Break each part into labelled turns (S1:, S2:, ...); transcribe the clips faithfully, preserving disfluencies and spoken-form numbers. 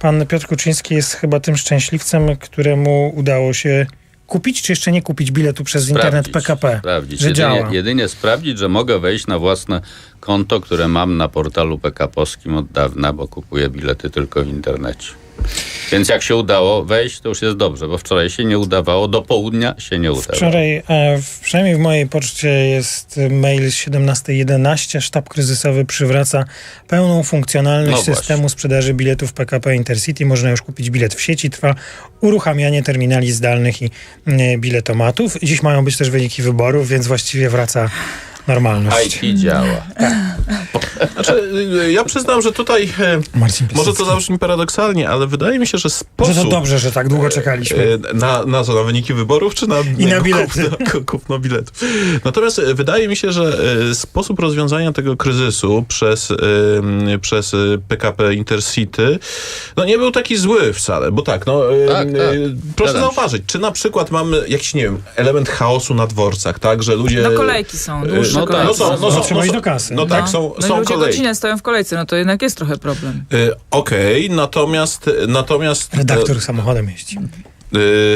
S1: pan Piotr Kuczyński jest chyba tym szczęśliwcem, któremu udało się kupić, czy jeszcze nie kupić biletu przez
S2: sprawdzić,
S1: internet P K P,
S2: sprawdzić.
S1: że
S2: Jedynie,
S1: działa.
S2: jedynie sprawdzić, że mogę wejść na własne konto, które mam na portalu P K P-owskim od dawna, bo kupuję bilety tylko w internecie. Więc jak się udało wejść, to już jest dobrze, bo wczoraj się nie udawało, do południa się nie udało.
S1: Wczoraj, e, w, przynajmniej w mojej poczcie jest mail z siedemnasta jedenaście. Sztab kryzysowy przywraca pełną funkcjonalność
S2: No
S1: systemu
S2: właśnie.
S1: sprzedaży biletów P K P Intercity. Można już kupić bilet w sieci. Trwa uruchamianie terminali zdalnych i e, biletomatów. Dziś mają być też wyniki wyborów, więc właściwie wraca normalność.
S2: I T działa.
S3: Znaczy, ja przyznam, że tutaj
S1: Marcin
S3: może to
S1: Piasecki.
S3: zabrzmi paradoksalnie, ale wydaje mi się, że sposób...
S1: Że to dobrze, że tak długo czekaliśmy.
S3: Na, na co? Na wyniki wyborów, czy na,
S1: I na bilety.
S3: Kupno, kupno biletów. Natomiast wydaje mi się, że sposób rozwiązania tego kryzysu przez, przez P K P Intercity no nie był taki zły wcale, bo tak, no
S2: Tak, tak.
S3: proszę
S2: Zgadzam się.
S3: zauważyć, czy na przykład mamy jakiś, nie wiem, element chaosu na dworcach, tak, że ludzie...
S4: No kolejki są, dłuższe
S2: No tak,
S4: kolejki.
S3: No są, no
S1: No,
S3: są,
S1: trzeba
S3: no
S1: iść
S3: są,
S1: do kasy.
S3: No tak,
S4: No.
S3: są,
S4: no i
S3: są
S4: ludzie
S3: kolejki.
S4: godzinę stoją w kolejce, no to jednak jest trochę problem.
S3: Y, Okej, natomiast, natomiast
S1: Redaktor samochodem jeździ.
S3: y,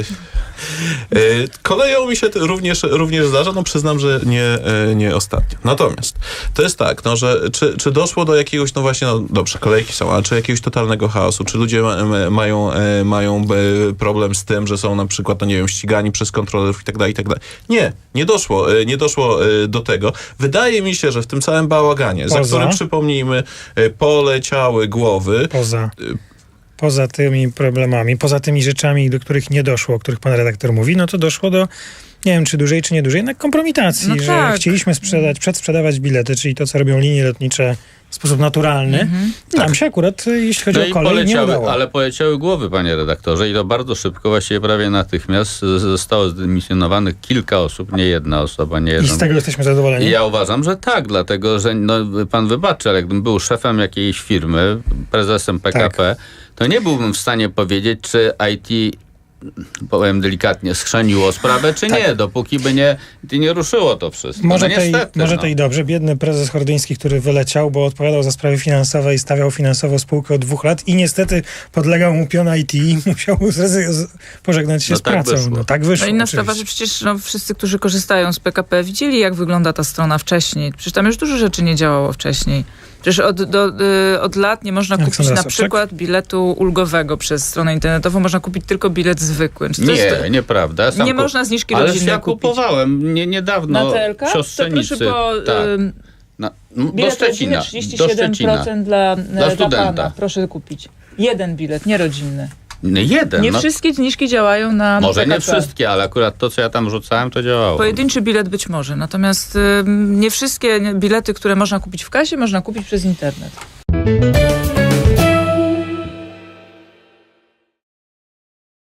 S3: y, koleją mi się to również, również zdarza, no przyznam, że nie, y, nie ostatnio. Natomiast to jest tak, no, że czy, czy doszło do jakiegoś, no właśnie, no dobrze, kolejki są, ale czy jakiegoś totalnego chaosu, czy ludzie ma, ma, mają, e, mają e, problem z tym, że są na przykład, no nie wiem, ścigani przez kontrolerów i tak dalej, i tak dalej. Nie, nie doszło, e, nie doszło e, do tego. Wydaje mi się, że w tym całym bałaganie, za
S1: Poza?
S3: którym, przypomnijmy, e, poleciały głowy,
S1: Poza, poza tymi problemami, poza tymi rzeczami, do których nie doszło, o których pan redaktor mówi, no to doszło do, nie wiem, czy dłużej, czy nie dłużej, jednak kompromitacji,
S4: No
S1: że
S4: tak.
S1: chcieliśmy sprzedać, przedsprzedawać bilety, czyli to, co robią linie lotnicze w sposób naturalny.
S4: Mhm.
S1: Nam się akurat, jeśli chodzi
S2: No
S1: o
S2: i
S1: kolej, nie
S2: poleciały,
S1: udało.
S2: ale poleciały głowy, panie redaktorze, i to bardzo szybko, właściwie prawie natychmiast z- zostało zdymisjonowanych kilka osób, nie jedna osoba, nie
S1: I
S2: jedna.
S1: z tego jesteśmy zadowoleni.
S2: I ja uważam, że tak, dlatego, że no, pan wybaczy, ale jakbym był szefem jakiejś firmy, prezesem P K P, to nie byłbym w stanie powiedzieć, czy I T, powiem delikatnie, schrzeniło sprawę, czy nie, dopóki by nie, nie ruszyło to wszystko.
S1: Może,
S2: no
S1: tej,
S2: niestety,
S1: może
S2: no.
S1: tej dobrze. Biedny prezes Hordyński, który wyleciał, bo odpowiadał za sprawy finansowe i stawiał finansowo spółkę od dwóch lat i niestety podlegał mu pion I T i musiał zrezy- z- pożegnać się
S2: No
S1: z
S2: tak
S1: pracą.
S2: wyszło.
S1: No tak wyszło.
S4: No inna
S1: oczywiście.
S4: sprawa, że przecież no, wszyscy, którzy korzystają z P K P, widzieli, jak wygląda ta strona wcześniej. Przecież tam już dużo rzeczy nie działało wcześniej. Przecież od, do, y, od lat nie można kupić
S1: Aleksandra
S4: na
S1: Sobczak?
S4: przykład biletu ulgowego przez stronę internetową, można kupić tylko bilet zwykły. Czy to jest,
S2: Nie, nieprawda. Sam
S4: nie
S2: ku-
S4: można zniżki
S2: Ale
S4: rodzinnej
S2: ja
S4: kupić.
S2: kupowałem nie, niedawno
S4: Na T L K? To
S2: siostrzenicy.
S4: proszę, bo
S2: tak.
S4: ym,
S2: Na, do
S4: bilet rodzinny
S2: Szczecina.
S4: trzydzieści
S2: Do
S4: siedem
S2: Szczecina.
S4: procent dla, dla,
S2: studenta.
S4: pana. Proszę kupić. Jeden bilet, nie rodzinny.
S2: Nie, jeden.
S4: Nie
S2: no,
S4: wszystkie zniżki działają na
S2: może
S4: P K P.
S2: nie wszystkie, ale akurat to, co ja tam rzucałem, to działało.
S4: Pojedynczy bilet być może, natomiast ym, nie wszystkie bilety, które można kupić w kasie, można kupić przez internet.